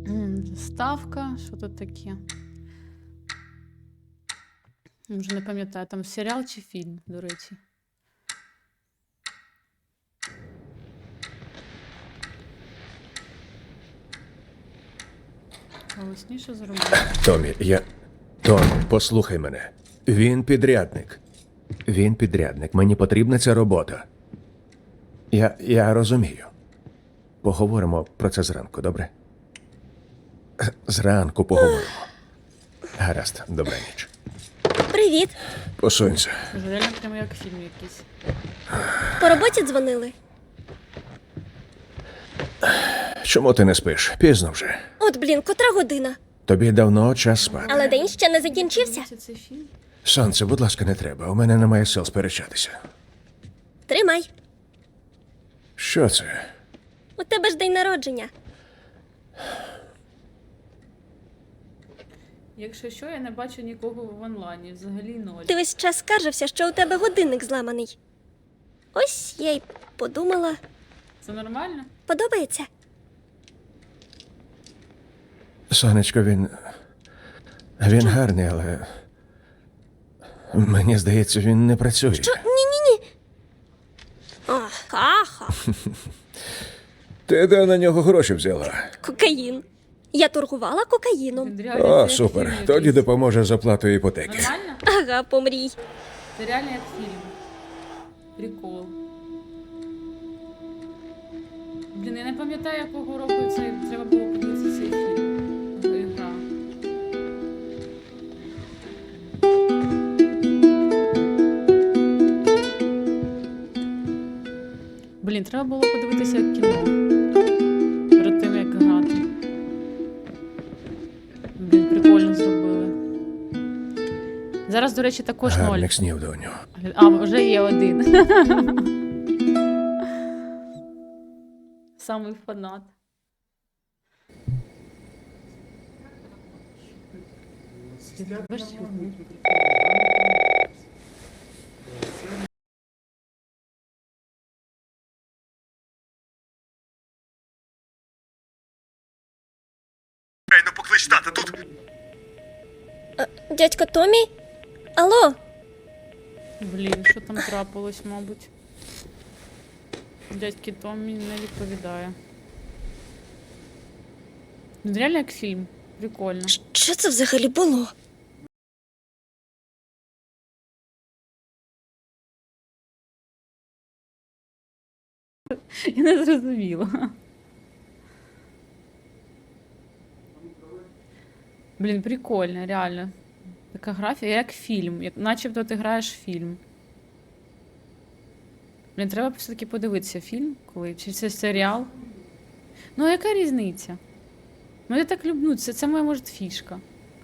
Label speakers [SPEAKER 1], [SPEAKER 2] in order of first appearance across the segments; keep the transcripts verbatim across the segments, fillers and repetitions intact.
[SPEAKER 1] М, Ставка, що тут таке? Вже не пам'ятаю, там серіал чи фільм, до речі. Голосніше зробити.
[SPEAKER 2] Томі, я. Томі, послухай мене. Він підрядник. Він підрядник. Мені потрібна ця робота. Я. Я розумію. Поговоримо про це зранку, добре? Зранку поговоримо. Гаразд, добра ніч.
[SPEAKER 3] Привіт.
[SPEAKER 2] Посунься.
[SPEAKER 1] Це реально прямо як фільм якийсь.
[SPEAKER 3] По роботі дзвонили.
[SPEAKER 2] Чому ти не спиш? Пізно вже.
[SPEAKER 3] От, блін, котра година.
[SPEAKER 2] Тобі давно час спати.
[SPEAKER 3] Але день ще не закінчився.
[SPEAKER 1] Дивіться цей фільм.
[SPEAKER 2] Сонце, будь ласка, не треба. У мене немає сил сперечатися.
[SPEAKER 3] Тримай.
[SPEAKER 2] Що це?
[SPEAKER 3] У тебе ж день народження.
[SPEAKER 1] Якщо що, я не бачу нікого в онлайні, взагалі ноль.
[SPEAKER 3] Ти весь час скаржився, що у тебе годинник зламаний. Ось я й подумала.
[SPEAKER 1] Це нормально?
[SPEAKER 3] Подобається?
[SPEAKER 2] Сонечко, він. Він гарний, але. Мені здається, він не працює.
[SPEAKER 3] Що? Ні-ні-ні. О, каха.
[SPEAKER 2] Ти де на нього гроші взяла?
[SPEAKER 3] Кокаїн. Я торгувала кокаїном.
[SPEAKER 1] Він реально
[SPEAKER 2] О,
[SPEAKER 1] це як
[SPEAKER 2] супер.
[SPEAKER 1] фільм
[SPEAKER 2] Тоді
[SPEAKER 1] якийсь.
[SPEAKER 2] допоможе з оплатою іпотеки.
[SPEAKER 1] Нормально?
[SPEAKER 3] Ага, помрій.
[SPEAKER 1] Це реально як фільм. Прикол. Блін, я не пам'ятаю, якого року це треба було подивитися цей фільм. Гра. Блін, треба було подивитися кіно. Перед тим, як грати. Блін, прикольно зробили. Зараз, до речі, також ноль.
[SPEAKER 2] Гарних снів, доню.
[SPEAKER 1] А, вже є один. Самий фанат. Бачиш?
[SPEAKER 2] Ну поклич тата тут.
[SPEAKER 3] Дядько Томі? Алло?
[SPEAKER 1] Блін, що там трапилось, мабуть. Дядьки Томмі не відповідає. Ну, реально як фільм. Прикольно.
[SPEAKER 3] Що це взагалі було?
[SPEAKER 1] Я не зрозуміла. Блін, прикольно, реально. Така графія, як фільм. Як, начебто ти граєш в фільм. Блін, треба все-таки подивитися фільм, коли. Чи це серіал. Ну, а яка різниця? Ну, я так люблю, це, це моя, може, фішка.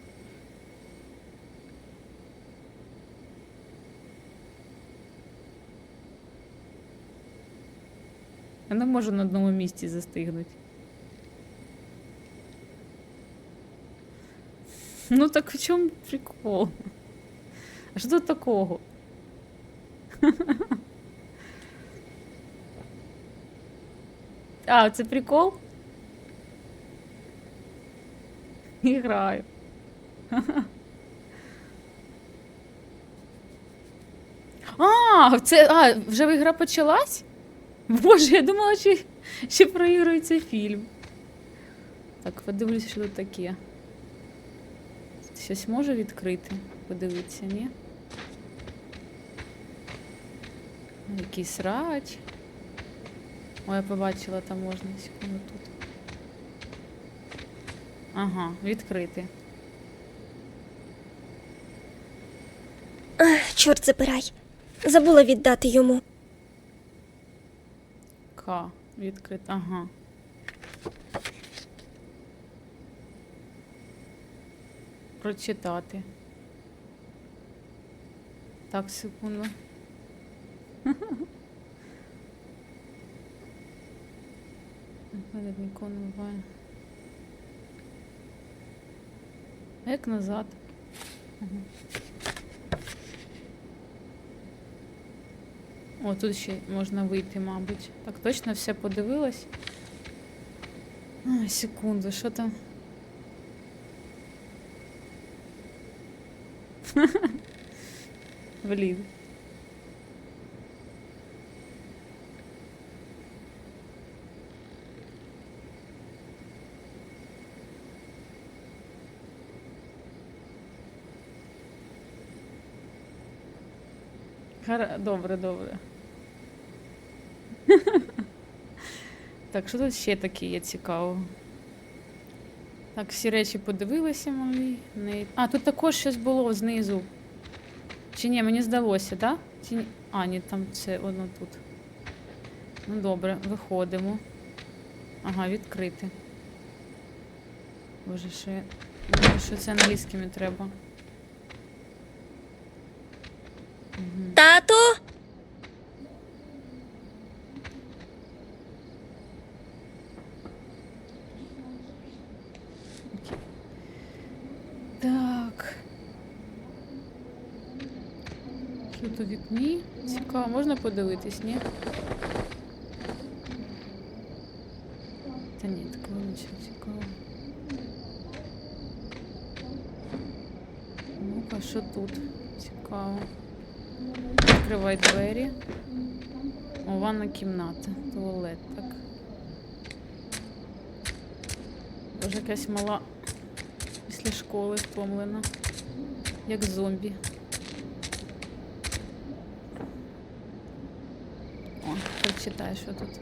[SPEAKER 1] Я не можу на одному місці застигнути. Ну так в чому прикол? А що тут такого? А, це прикол? І граю. А, це, а, вже ігра почалась? Боже, я думала, що ще проігрується фільм. Так, подивлюся, що тут таке. Щось можу відкрити? Подивитися, ні? Якийсь срач. О, я побачила, там можна. Секунду тут. Ага, відкрити.
[SPEAKER 3] Ах, чорт забирай. Забула віддати йому.
[SPEAKER 1] К. Відкрити. Ага. Прочитати. Так, секунду. Мене нікого не буває. А як назад? Ага. О, тут ще можна вийти, мабуть. Так, точно все подивилась? А, секунду, що там? Блін. Хара... Добре, добре. Так, що тут ще таке є цікаво? Так, всі речі подивилися малі. Не... А, тут також щось було знизу. Чи ні, мені здалося, так? Да? Чи ні? А, ні, там це воно тут. Ну добре, виходимо. Ага, відкрити. Боже, що я... Боже, що це англійськими треба. Угу.
[SPEAKER 3] Тату?
[SPEAKER 1] Так. Що тут у вікні? Цікаво, можна подивитись, ні? Та ні, такого нічого цікавого. Ну-ка, що тут? Цікаво. Відкривай двері. О, ванна кімната. Туалет, так. Боже, якась мала після школи втомлена. Як зомбі. О, прочитай, що тут.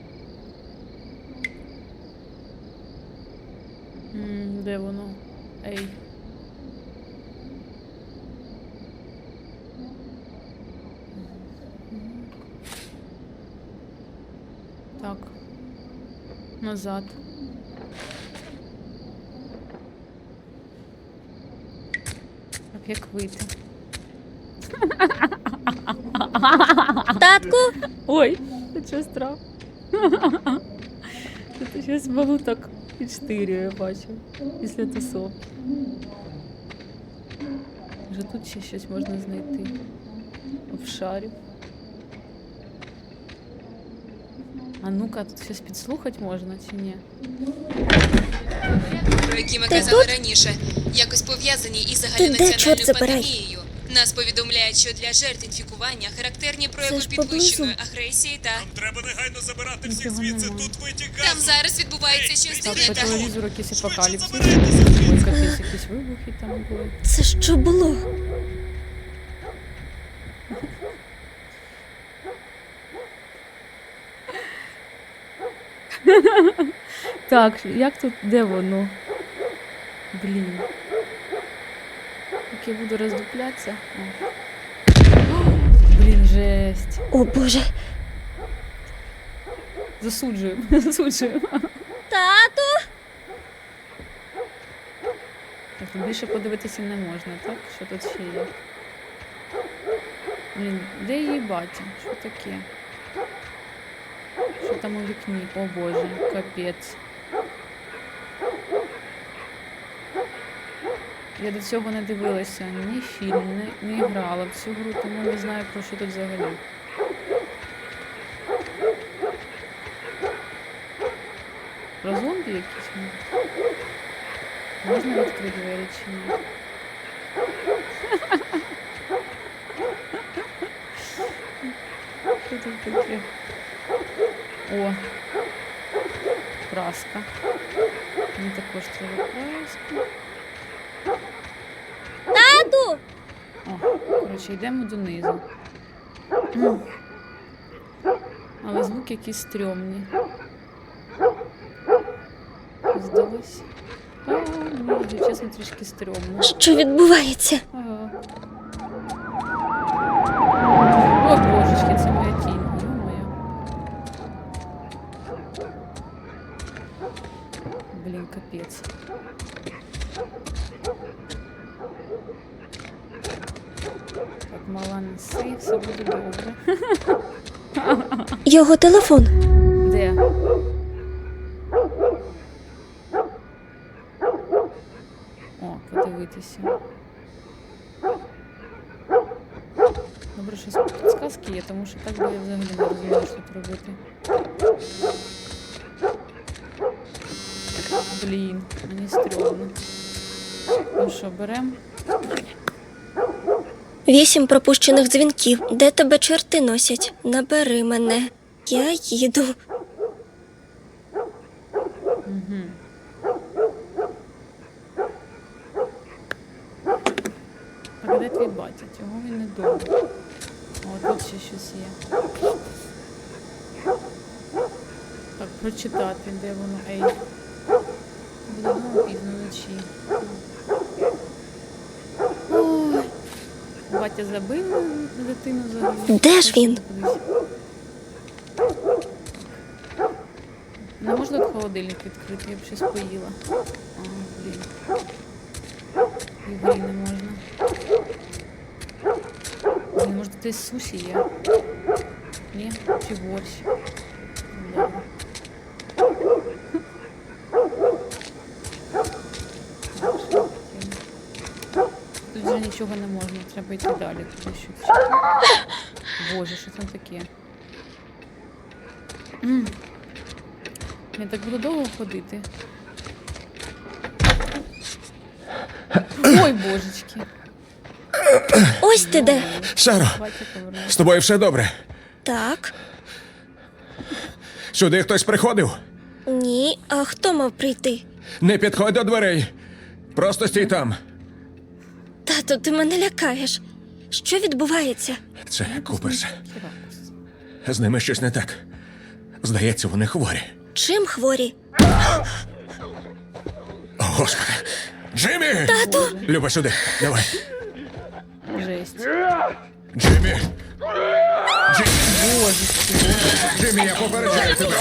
[SPEAKER 1] М, де воно? Ей. Так. Назад. Так, як вийти?
[SPEAKER 3] Татку?
[SPEAKER 1] Ой, це що страх. Це щось малу так підштирює, я бачу. Після тусовки. Вже тут ще щось можна знайти. Обшарів. А ну-ка, тут щось підслухати можна чи ні?
[SPEAKER 4] Про які ми
[SPEAKER 3] Ти
[SPEAKER 4] казали
[SPEAKER 3] тут?
[SPEAKER 4] раніше, якось пов'язані із
[SPEAKER 3] де, чорт
[SPEAKER 4] загальнонаціональною
[SPEAKER 3] забирай?
[SPEAKER 4] пандемією. Нас повідомляють, що для жертв інфікування характерні прояви
[SPEAKER 3] ж поблизу.
[SPEAKER 4] підвищеної агресії та
[SPEAKER 5] Нам треба негайно забирати всіх
[SPEAKER 1] Нічого
[SPEAKER 5] звідси.
[SPEAKER 1] нема.
[SPEAKER 5] Тут витік
[SPEAKER 4] там
[SPEAKER 5] газу.
[SPEAKER 4] зараз відбувається щось
[SPEAKER 1] Так,
[SPEAKER 4] дивне
[SPEAKER 1] по
[SPEAKER 4] та
[SPEAKER 1] телевізору якийсь апокаліпсис.
[SPEAKER 5] забирайтеся
[SPEAKER 1] Ой,
[SPEAKER 5] звідси.
[SPEAKER 1] капець, якісь вибухи там були.
[SPEAKER 3] Це що було?
[SPEAKER 1] Так, як тут, де воно? Блін. Як я буду роздуплятися. О. О, блін, жесть.
[SPEAKER 3] О, Боже.
[SPEAKER 1] Засуджуємо, засуджуємо.
[SPEAKER 3] Тату?
[SPEAKER 1] Так, тут більше подивитися не можна, так? Що тут ще є? Блін, де її батя? Що таке? Що там у вікні? О боже, капець. Я до цього не дивилася ні фільм, ні, не грала в цю гру, тому не знаю, про що тут взагалі. Про зомбі якісь? ну? Можна відкрити двері чи ні? Що тут таке? О! Краска. Мені також треба краску.
[SPEAKER 3] Тату?
[SPEAKER 1] О, коротше, йдемо донизу. М. Але звуки якісь стрьомні. Здалось. А, мені вже чесно трішки стрьомно.
[SPEAKER 3] Що відбувається?
[SPEAKER 1] Ага. О, божечки, це моя тінь. Ё-моє. Блін, капець. Так, мала неси, все буде добре.
[SPEAKER 3] Його телефон.
[SPEAKER 1] Де? О, подивитися. Добре, що підсказки є, тому що так би я взагалі не розуміла, що тут робити. Блін, мені стрьомно. Ну що, берем?
[SPEAKER 3] Вісім пропущених дзвінків. Де тебе чорти носять? Набери мене. Я їду.
[SPEAKER 1] Так, а де твій батя? Чого він не вдома? О, тут ще щось є. Так, прочитати, де воно, ей. Буде знову пізно вночі. Ой. Батя забив на дитину взагалі.
[SPEAKER 3] Де ж він?
[SPEAKER 1] Не можна тут холодильник відкрити, я б щось поїла. А, блін. І грі не можна. Блін, може десь суші є? Ні? Чи борщ? Добре. Тут вже нічого не можна, треба йти далі. Туди щось. Боже, що там таке? М. Я так буду довго ходити. Ой, божечки.
[SPEAKER 3] Ось ти де.
[SPEAKER 2] Саро,
[SPEAKER 1] Батя повернувся.
[SPEAKER 2] з тобою все добре?
[SPEAKER 3] Так.
[SPEAKER 2] Сюди хтось приходив?
[SPEAKER 3] Ні. А хто мав прийти?
[SPEAKER 2] Не підходь до дверей. Просто стій там.
[SPEAKER 3] Тато, ти мене лякаєш. Що відбувається?
[SPEAKER 2] Це Куперс.
[SPEAKER 1] Хіракус.
[SPEAKER 2] З ними щось не так. Здається, вони хворі.
[SPEAKER 3] Чим хворі?
[SPEAKER 2] О, Господи. Джиммі!
[SPEAKER 3] Тату!
[SPEAKER 2] Люба, сюди. Давай.
[SPEAKER 1] Жесть.
[SPEAKER 2] Джиммі!
[SPEAKER 1] Божечки.
[SPEAKER 2] Джиммі, я попереджаю тебе.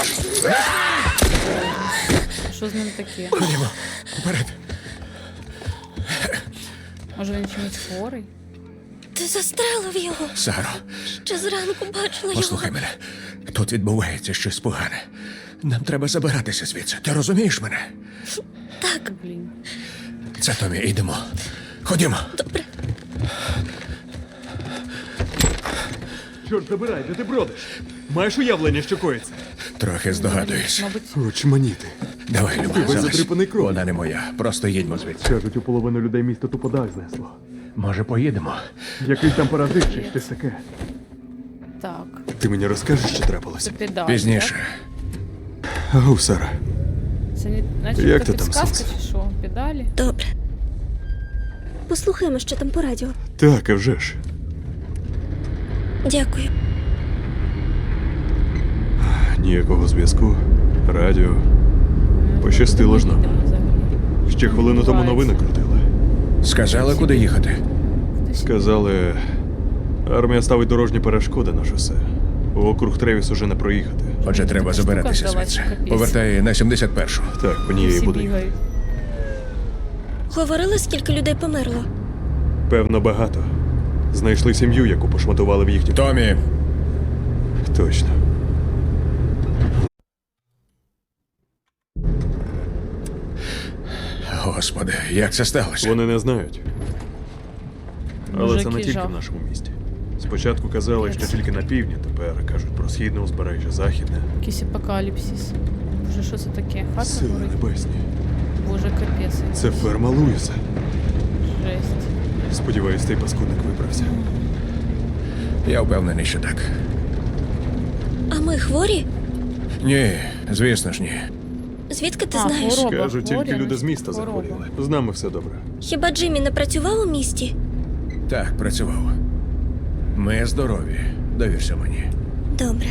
[SPEAKER 1] Що з ним таке?
[SPEAKER 2] Ходімо. Вперед.
[SPEAKER 1] Може він чимось хворий?
[SPEAKER 3] Ти застрелив його.
[SPEAKER 2] Саро,
[SPEAKER 3] Ще зранку бачила
[SPEAKER 2] послухай
[SPEAKER 3] його.
[SPEAKER 2] мене. Тут відбувається щось погане. Нам треба забиратися звідси. Ти розумієш мене?
[SPEAKER 3] Так,
[SPEAKER 1] Блін.
[SPEAKER 2] Це Томі, йдемо. Ходімо.
[SPEAKER 3] добре.
[SPEAKER 5] Чорт забирай, де ти бродиш? Маєш уявлення, що коїться?
[SPEAKER 2] Трохи здогадуюсь.
[SPEAKER 1] Мабуть,
[SPEAKER 5] Очманіти.
[SPEAKER 2] Давай, Люба,
[SPEAKER 5] весь
[SPEAKER 2] залазь.
[SPEAKER 5] задрипаний кров'ю.
[SPEAKER 2] Вона не моя. Просто їдьмо звідси.
[SPEAKER 5] Кажуть, у половину людей місто тупо дах знесло.
[SPEAKER 2] Може, поїдемо?
[SPEAKER 5] Якийсь там паразит чи щось таке.
[SPEAKER 1] так.
[SPEAKER 5] Ти мені розкажеш, що трапилося?
[SPEAKER 1] Це педаль.
[SPEAKER 2] Пізніше.
[SPEAKER 5] Ау, Сара.
[SPEAKER 1] Так? Це не наче
[SPEAKER 5] Як
[SPEAKER 1] така
[SPEAKER 5] ти там,
[SPEAKER 1] підсказка
[SPEAKER 5] сонце?
[SPEAKER 1] чи що? Педалі?
[SPEAKER 3] Добре. Послухаємо, що там по радіо.
[SPEAKER 5] Так, а вже ж.
[SPEAKER 3] Дякую.
[SPEAKER 5] Ніякого зв'язку. Радіо. Пощастило ж нам.
[SPEAKER 1] Їдемо взагалі.
[SPEAKER 5] Ще хвилину тому новини крутили.
[SPEAKER 2] Сказали, куди їхати?
[SPEAKER 5] Сказали, армія ставить дорожні перешкоди на шосе. У округ Тревіс уже не проїхати.
[SPEAKER 2] Отже, треба
[SPEAKER 1] Така штука
[SPEAKER 2] забиратися
[SPEAKER 1] здалась,
[SPEAKER 2] звідси.
[SPEAKER 1] капець.
[SPEAKER 2] Повертай на сімдесят першу.
[SPEAKER 5] Так, по ній і
[SPEAKER 1] Всі
[SPEAKER 5] буде.
[SPEAKER 1] бігають.
[SPEAKER 3] Говорили, скільки людей померло?
[SPEAKER 5] Певно, багато. Знайшли сім'ю, яку пошматували в їхню.
[SPEAKER 2] Томі,
[SPEAKER 5] Точно.
[SPEAKER 2] господи, як це сталося?
[SPEAKER 5] Вони не знають. Але
[SPEAKER 1] Боже,
[SPEAKER 5] це не
[SPEAKER 1] який
[SPEAKER 5] тільки
[SPEAKER 1] жах.
[SPEAKER 5] в нашому місті. Спочатку казали, що тільки на півдні, тепер кажуть про східне узбережжя, західне.
[SPEAKER 1] Якийсь апокаліпсис. Боже, що це таке? Хата
[SPEAKER 5] Сили
[SPEAKER 1] горить?
[SPEAKER 5] небесні.
[SPEAKER 1] Боже, капець.
[SPEAKER 5] Це ферма Луїса.
[SPEAKER 1] Жесть.
[SPEAKER 5] Сподіваюсь, цей паскудник виправся.
[SPEAKER 2] Я впевнений, що так.
[SPEAKER 3] А ми хворі?
[SPEAKER 2] Ні, звісно ж ні.
[SPEAKER 3] Звідки ти
[SPEAKER 1] А,
[SPEAKER 3] знаєш?
[SPEAKER 1] хвороба.
[SPEAKER 5] Кажуть, тільки
[SPEAKER 1] хворі,
[SPEAKER 5] люди з міста
[SPEAKER 1] хвороба.
[SPEAKER 5] захворіли. З нами все добре.
[SPEAKER 3] Хіба Джиммі не працював у місті?
[SPEAKER 2] Так, працював. Ми здорові. Довірся мені.
[SPEAKER 3] Добре.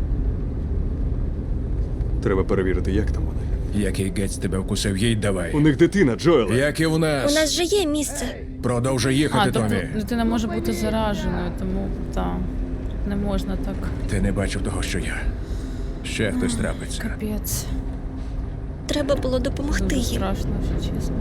[SPEAKER 5] Треба перевірити, як там вони.
[SPEAKER 2] Який гець тебе вкусив, їй давай.
[SPEAKER 5] У них дитина, Джоеле.
[SPEAKER 2] Як і у
[SPEAKER 3] У
[SPEAKER 2] нас.
[SPEAKER 3] нас же є місце.
[SPEAKER 2] Продовжуй
[SPEAKER 1] А,
[SPEAKER 2] їхати,
[SPEAKER 1] тобто
[SPEAKER 2] Томі.
[SPEAKER 1] дитина може бути зараженою, тому там не можна так.
[SPEAKER 2] Ти не бачив того, що я. Ще хтось трапиться.
[SPEAKER 1] Капець.
[SPEAKER 3] Треба було допомогти
[SPEAKER 1] Дуже
[SPEAKER 3] їм.
[SPEAKER 1] страшно, якщо чесно.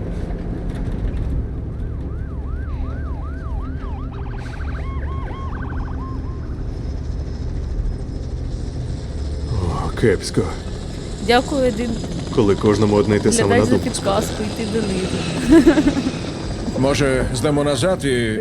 [SPEAKER 5] О, кепсько.
[SPEAKER 1] Дякую, один
[SPEAKER 5] Коли кожному одне й те саме
[SPEAKER 1] глядай
[SPEAKER 5] на
[SPEAKER 1] за
[SPEAKER 5] думку спадає.
[SPEAKER 1] підказку, йти до них.
[SPEAKER 2] Може, здамо назад і.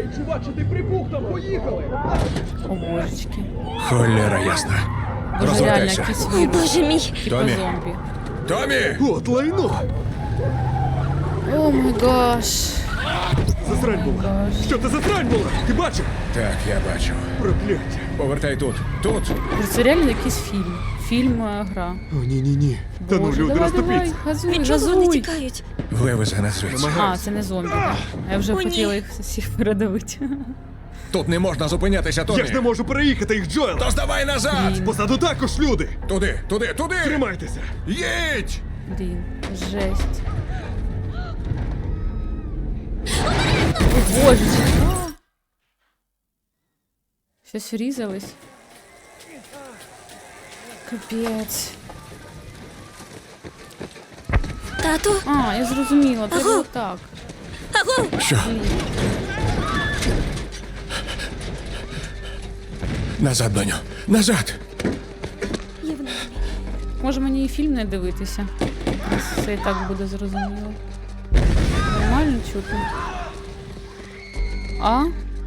[SPEAKER 1] О, божечки.
[SPEAKER 2] Холера ясна.
[SPEAKER 1] Боже, реально,
[SPEAKER 2] Розвертайся.
[SPEAKER 1] якийсь
[SPEAKER 3] О,
[SPEAKER 1] вірус.
[SPEAKER 3] боже мій.
[SPEAKER 1] Типа
[SPEAKER 2] Томі.
[SPEAKER 1] зомбі.
[SPEAKER 2] Томі!
[SPEAKER 5] От лайно!
[SPEAKER 1] О май гаш.
[SPEAKER 5] Засрань була! Що це за срань була? Ти бачив?
[SPEAKER 2] Так, я бачу.
[SPEAKER 5] Прокляття!
[SPEAKER 2] Повертай тут. Тут.
[SPEAKER 1] Це реально якийсь фільм. Фільм, е, гра.
[SPEAKER 5] О, ні-ні-ні. Та ну,
[SPEAKER 1] Боже,
[SPEAKER 5] люди,
[SPEAKER 1] давай, давай,
[SPEAKER 5] розтопіться!
[SPEAKER 1] газуй,
[SPEAKER 3] Від чого вони
[SPEAKER 1] газуй.
[SPEAKER 3] тікають?
[SPEAKER 2] Вивези нас звідси.
[SPEAKER 1] А, це не зомбі, так. А я вже
[SPEAKER 3] О, ні.
[SPEAKER 1] хотіла їх всіх передавити.
[SPEAKER 2] Тут не можна зупинятися,
[SPEAKER 5] Я ж не
[SPEAKER 2] Тоні.
[SPEAKER 5] можу переїхати їх, Джоел!
[SPEAKER 2] То здавай назад!
[SPEAKER 5] Позаду також люди!
[SPEAKER 2] Туди, туди, туди!
[SPEAKER 5] Тримайтеся!
[SPEAKER 2] Їдь!
[SPEAKER 1] Блін, жесть. О, боже. А! Щось врізались. Капець.
[SPEAKER 3] Тату?
[SPEAKER 1] А, я зрозуміла, треба
[SPEAKER 3] Аго.
[SPEAKER 1] отак.
[SPEAKER 3] Аго!
[SPEAKER 2] Що? Назад, доню. Назад!
[SPEAKER 3] Я в нормі.
[SPEAKER 1] Може мені і фільм не дивитися? Все і так буде зрозуміло. Нормально чутно. А?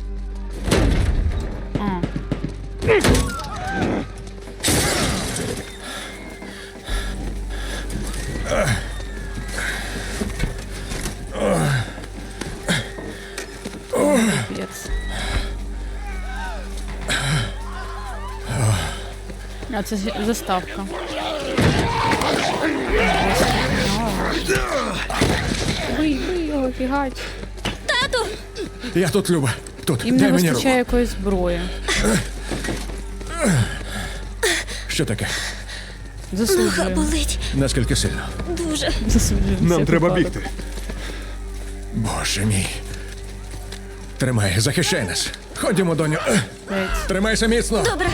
[SPEAKER 1] А. Капець. А це ж заставка. Бий, бий його, фігач.
[SPEAKER 3] Тату!
[SPEAKER 2] Я тут, Люба. Тут.
[SPEAKER 1] Їм
[SPEAKER 2] Дай
[SPEAKER 1] не
[SPEAKER 2] мені
[SPEAKER 1] вистачає
[SPEAKER 2] руку.
[SPEAKER 1] якоїсь зброї.
[SPEAKER 2] Що таке?
[SPEAKER 3] Нога
[SPEAKER 1] Засуджую.
[SPEAKER 3] болить.
[SPEAKER 2] Наскільки сильно?
[SPEAKER 3] Дуже.
[SPEAKER 1] Засуджую.
[SPEAKER 5] Нам
[SPEAKER 1] Це
[SPEAKER 5] треба
[SPEAKER 1] випадок.
[SPEAKER 5] бігти.
[SPEAKER 2] Боже мій. Тримай, захищай нас. Ходімо, доню.
[SPEAKER 1] Геть.
[SPEAKER 2] Тримайся міцно.
[SPEAKER 3] Добре.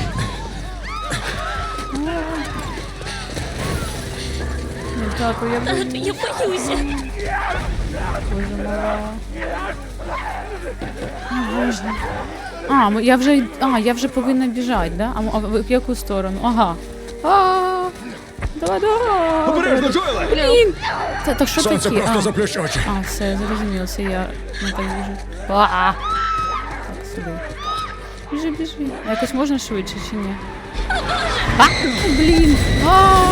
[SPEAKER 1] Ну, тату, я
[SPEAKER 3] Тату,
[SPEAKER 1] боюсь.
[SPEAKER 3] я боюся.
[SPEAKER 1] Боже мала. О, Боже. А, ми- я вже, а, я вже повинна біжати, да? А, м- а в в яку сторону? Ага. А, давай, давай.
[SPEAKER 5] Обережно, Джоеле!
[SPEAKER 1] Блін. Та, так що
[SPEAKER 2] Сонце
[SPEAKER 1] таке?
[SPEAKER 2] просто
[SPEAKER 1] А.
[SPEAKER 2] заплющ очі.
[SPEAKER 1] А, все, зрозуміло, це я не так біжу. А, так, сюди. Біжи, біжи. А якось можна швидше чи ні? А, блін. А.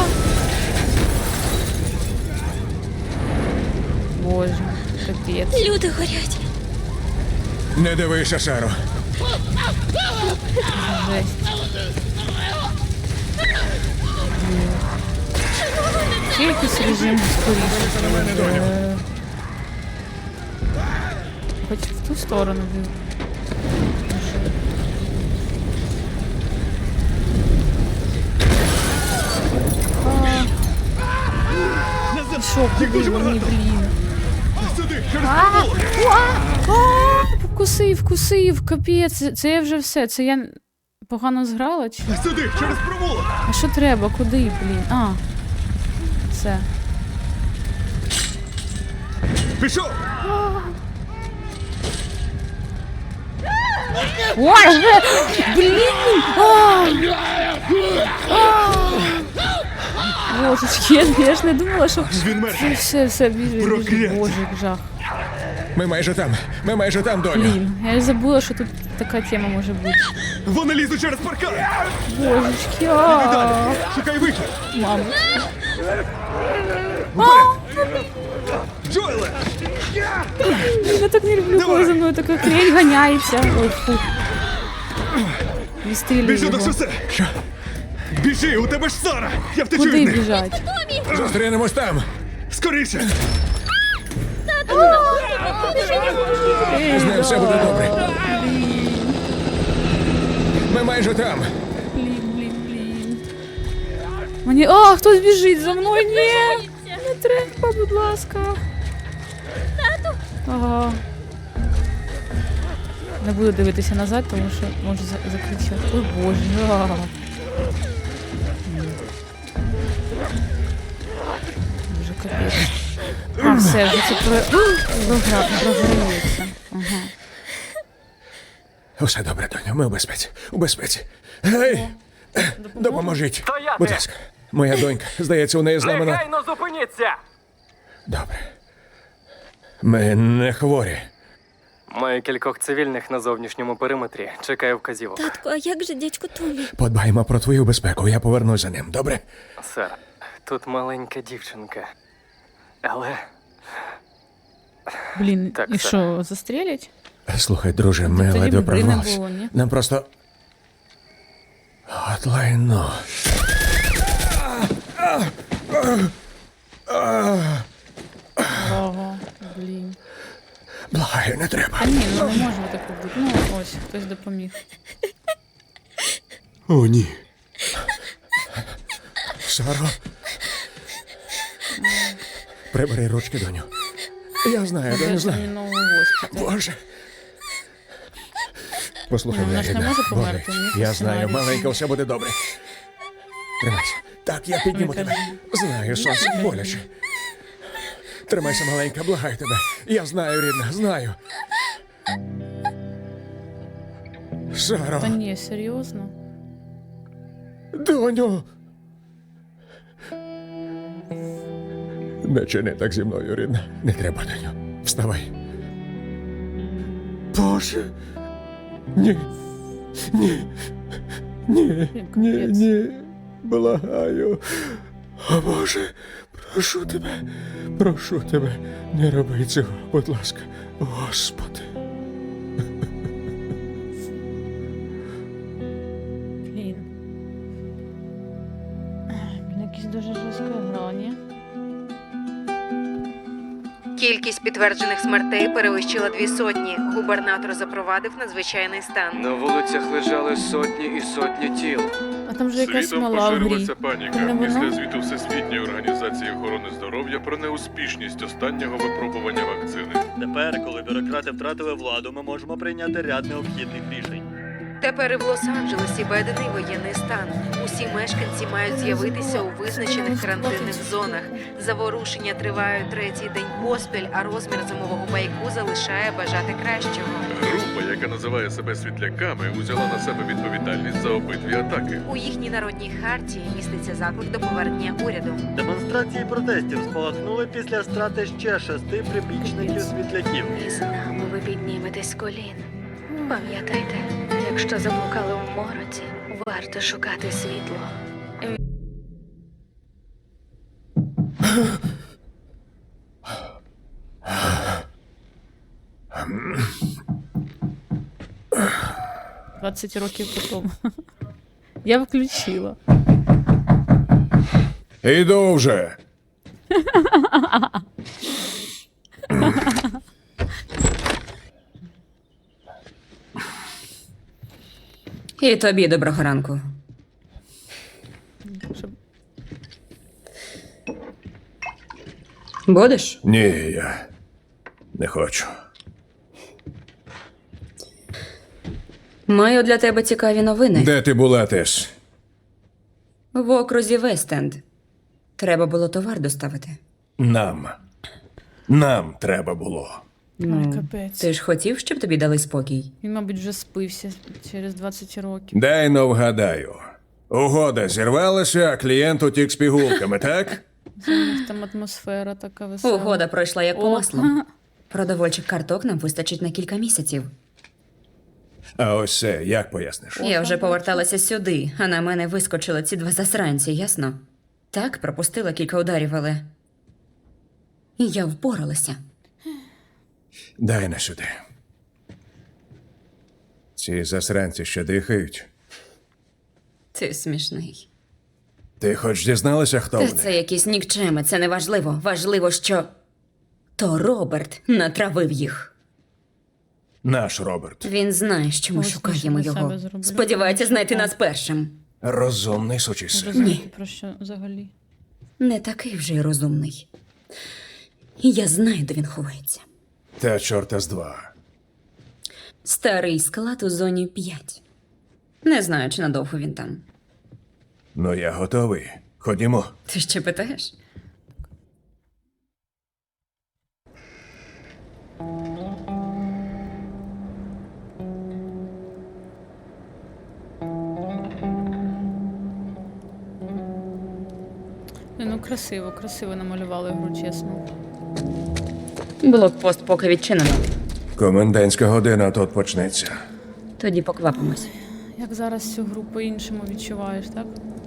[SPEAKER 1] Боже, капець.
[SPEAKER 3] Люди горять.
[SPEAKER 2] Не дивися, Саро.
[SPEAKER 1] Жесть. Ще якийсь режим скоріше. Е, Хоч в ту сторону. блін. А. Що, куди мені, блін?
[SPEAKER 5] Сюди, через
[SPEAKER 1] А,
[SPEAKER 5] провулок!
[SPEAKER 1] а, а, Вкусив, вкусив, капець. Це- Це я вже все. Це я погано зграла? Чи?
[SPEAKER 5] Сюди, через провулок!
[SPEAKER 1] А що треба? Куди, блін? А. Все.
[SPEAKER 5] Пішов!
[SPEAKER 1] Ой, вже! Блін! А! А! Божечки, я, я ж не думала, що...
[SPEAKER 5] Він мертвий.
[SPEAKER 1] Все, все, біжи, біжи.
[SPEAKER 5] Прокляття.
[SPEAKER 1] Боже, як жах.
[SPEAKER 2] Ми майже там. Ми майже там, доню.
[SPEAKER 1] Блін, я ж забула, що тут така тема може бути.
[SPEAKER 5] Вони лізуть через паркан!
[SPEAKER 1] Божечки,
[SPEAKER 5] Іди
[SPEAKER 1] а
[SPEAKER 5] далі! Шукай вихід!
[SPEAKER 1] Мама.
[SPEAKER 5] Вперед! Джоеле!
[SPEAKER 1] Я так не люблю, коли
[SPEAKER 5] Давай.
[SPEAKER 1] за мною така хрень ганяється. Ой, фу. Відстрілюй
[SPEAKER 5] Біжи до
[SPEAKER 1] його.
[SPEAKER 5] шосе! Що? Біжи, у тебе ж Сара! Я втечу
[SPEAKER 1] Куди
[SPEAKER 5] від них!
[SPEAKER 1] біжать?
[SPEAKER 2] Зустрінемось там.
[SPEAKER 5] Скоріше!
[SPEAKER 2] З ним все буде добре. Ми майже там.
[SPEAKER 1] Блін, блін, блін. Мені. А, хтось біжить за мною. Ні! Не треба, будь ласка. Тату. Ага. Не буду дивитися назад, тому що можу за- закричати. Ой, боже. А. Боже, капець. А, все, вже це про... Програ... програється. Ага.
[SPEAKER 2] Усе добре, доню. Ми у безпеці. У безпеці. Гей! Допоможіть.
[SPEAKER 6] Стояти!
[SPEAKER 2] Будь ласка. Моя донька. Здається, у неї зламана.
[SPEAKER 6] Негайно зупиніться!
[SPEAKER 2] Добре. Ми не хворі.
[SPEAKER 6] Маю кількох цивільних на зовнішньому периметрі. Чекаю вказівок.
[SPEAKER 3] Татку, а як же дядько Томі?
[SPEAKER 2] Подбаємо про твою безпеку. Я повернусь за ним. Добре?
[SPEAKER 6] Сер, тут маленька дівчинка. Але
[SPEAKER 1] Блін,
[SPEAKER 6] Так,
[SPEAKER 1] і
[SPEAKER 6] це-
[SPEAKER 1] що, застрелять?
[SPEAKER 2] Слухай, друже, ми
[SPEAKER 1] тоді
[SPEAKER 2] ледве
[SPEAKER 1] б гри не
[SPEAKER 2] прорвались.
[SPEAKER 1] було, ні?
[SPEAKER 2] Нам просто. От лайно.
[SPEAKER 1] Ого, блін.
[SPEAKER 2] Благаю, не треба.
[SPEAKER 1] А ні, ну не може таке бути. Ну, ось, хтось допоміг.
[SPEAKER 5] О, ні.
[SPEAKER 2] Саро. Прибери ручки, доню. Я знаю,
[SPEAKER 1] Це
[SPEAKER 2] доню, знаю.
[SPEAKER 1] терміново в госпіталь.
[SPEAKER 2] Боже. Послухай,
[SPEAKER 1] Ну, вона
[SPEAKER 2] мене,
[SPEAKER 1] ж не
[SPEAKER 2] рідна.
[SPEAKER 1] може померти,
[SPEAKER 2] Боже,
[SPEAKER 1] ні, по
[SPEAKER 2] я знаю,
[SPEAKER 1] сценарію.
[SPEAKER 2] маленька, все буде добре. Тримайся. Так, я підніму
[SPEAKER 1] Ой,
[SPEAKER 2] тебе. Знаю, сонце боляче. Тримайся, маленька, благаю тебе. Я знаю, рідна, знаю. Саро,
[SPEAKER 1] Та ні, серйозно?
[SPEAKER 2] доню. Не чини так зі мною, рідна. Не треба, доню. Вставай. Боже. Ні. Ні. Ні.
[SPEAKER 1] Блін,
[SPEAKER 2] Ні,
[SPEAKER 1] капець.
[SPEAKER 2] ні. Благаю. О, Боже, прошу тебе. Прошу тебе. Не роби цього, будь ласка. Господи.
[SPEAKER 1] Блін. Блін, якісь дуже жорсткі грані.
[SPEAKER 7] Кількість підтверджених смертей перевищила дві сотні. Губернатор запровадив надзвичайний стан.
[SPEAKER 6] На вулицях лежали сотні і сотні тіл.
[SPEAKER 1] А там же якась
[SPEAKER 8] Світом
[SPEAKER 1] мала в грі.
[SPEAKER 8] поширилася паніка
[SPEAKER 1] Це не
[SPEAKER 8] після
[SPEAKER 1] воно?
[SPEAKER 8] звіту Всесвітньої організації охорони здоров'я про неуспішність останнього випробування вакцини.
[SPEAKER 9] Тепер, коли бюрократи втратили владу, ми можемо прийняти ряд необхідних рішень.
[SPEAKER 7] Тепер і в Лос-Анджелесі введений воєнний стан. Усі мешканці мають з'явитися у визначених карантинних зонах. Заворушення тривають третій день поспіль, а розмір зимового байку залишає бажати кращого.
[SPEAKER 8] Група, яка називає себе світляками, узяла на себе відповідальність за обидві атаки.
[SPEAKER 7] У їхній народній хартії міститься заклик до повернення уряду.
[SPEAKER 9] Демонстрації протестів спалахнули після страти ще шести прибічників світляків.
[SPEAKER 10] І з нами ви підніметесь з колін. Пам'ятайте, якщо заблукали в мороці, варто шукати світло.
[SPEAKER 1] двадцять років потім. Я включила.
[SPEAKER 2] Іду вже.
[SPEAKER 11] І тобі доброго ранку.
[SPEAKER 1] Щоб...
[SPEAKER 11] Будеш?
[SPEAKER 2] Ні, я не хочу.
[SPEAKER 11] Маю для тебе цікаві новини.
[SPEAKER 2] Де ти була, Тес?
[SPEAKER 11] В окрузі Вестенд. Треба було товар доставити.
[SPEAKER 2] Нам. Нам треба було.
[SPEAKER 1] Ой, капець.
[SPEAKER 11] Ти ж хотів, щоб тобі дали спокій?
[SPEAKER 1] Він, мабуть, вже спився через двадцять років.
[SPEAKER 2] Дай но вгадаю. Угода зірвалася, а клієнт утік з пігулками, так?
[SPEAKER 1] У них там атмосфера така весела.
[SPEAKER 11] Угода пройшла як по
[SPEAKER 1] О,
[SPEAKER 11] маслу. Продовольчих карток нам вистачить на кілька місяців.
[SPEAKER 2] А ось це як поясниш?
[SPEAKER 11] Я вже поверталася сюди, а на мене вискочили ці два засранці, ясно? Так, пропустила кілька ударів, але. І я впоралася.
[SPEAKER 2] Дай на сюди. Ці засранці ще дихають.
[SPEAKER 11] Ти смішний.
[SPEAKER 2] Ти хоч дізналася, хто
[SPEAKER 11] Та
[SPEAKER 2] вони?
[SPEAKER 11] це якісь нікчеми, це не важливо. Важливо, що. То Роберт натравив їх.
[SPEAKER 2] Наш Роберт.
[SPEAKER 11] Він знає, що ми
[SPEAKER 1] Ось
[SPEAKER 11] шукаємо
[SPEAKER 1] я себе
[SPEAKER 11] його.
[SPEAKER 1] зроблю.
[SPEAKER 11] Сподівається знайти нас першим.
[SPEAKER 2] Розумний сучий син.
[SPEAKER 1] Розумієте, про що взагалі?
[SPEAKER 11] Не такий вже й розумний. І я знаю, де він ховається.
[SPEAKER 2] Та чорта з два.
[SPEAKER 11] Старий склад у зоні п'ять. Не знаю, чи надовго він там.
[SPEAKER 2] Ну я готовий. Ходімо.
[SPEAKER 11] Ти ще питаєш?
[SPEAKER 1] Ну, красиво, красиво намалювали гру, чесно.
[SPEAKER 11] Блокпост поки відчинено.
[SPEAKER 2] Комендантська година тут почнеться.
[SPEAKER 11] Тоді поквапимось.
[SPEAKER 1] Як зараз цю гру по-іншому відчуваєш, так?